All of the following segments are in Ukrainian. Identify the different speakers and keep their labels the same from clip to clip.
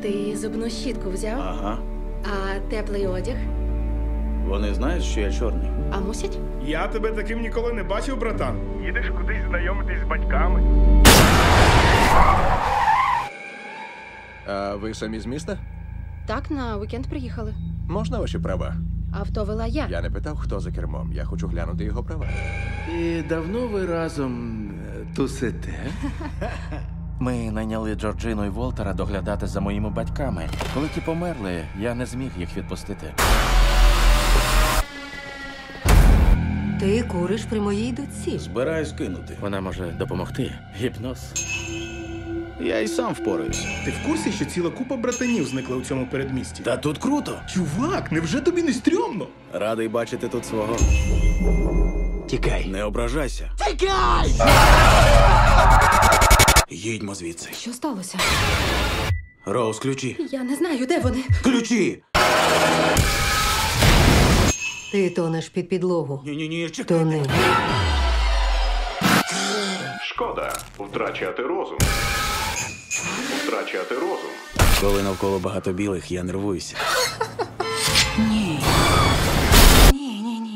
Speaker 1: Ти зубну щітку взяв?
Speaker 2: Ага.
Speaker 1: А теплий одяг?
Speaker 2: Вони знають, що я чорний.
Speaker 1: А мусять?
Speaker 3: Я тебе таким ніколи не бачив, братан. Їдеш кудись знайомитись з батьками.
Speaker 4: А ви самі з міста?
Speaker 1: Так, на вікенд приїхали.
Speaker 4: Можна ваші права?
Speaker 1: Авто вела я.
Speaker 4: Я не питав, хто за кермом. Я хочу глянути його права.
Speaker 5: І давно ви разом тусите?
Speaker 6: Ми найняли Джорджину і Волтера доглядати за моїми батьками. Коли ті померли, я не зміг їх відпустити.
Speaker 7: Ти куриш при моїй дочці.
Speaker 2: Збираюсь кинути.
Speaker 6: Вона може допомогти. Гіпноз.
Speaker 2: Я й сам впораюсь.
Speaker 3: Ти в курсі, що ціла купа братанів зникла у цьому передмісті?
Speaker 2: Та тут круто.
Speaker 3: Чувак, невже тобі не стрьомно?
Speaker 2: Радий бачити тут свого.
Speaker 5: Тікай.
Speaker 2: Не ображайся. Їдьмо звідси.
Speaker 1: Що сталося?
Speaker 2: Роуз, ключі.
Speaker 1: Я не знаю, де вони.
Speaker 2: Ключі!
Speaker 7: Ти тонеш під підлогу.
Speaker 2: Ні, чекай.
Speaker 7: Тони.
Speaker 8: Шкода втрачати розум. Втрачати розум.
Speaker 2: Коли навколо багато білих, я нервуюся.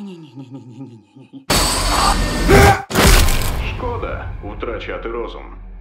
Speaker 8: Шкода втрачати розум.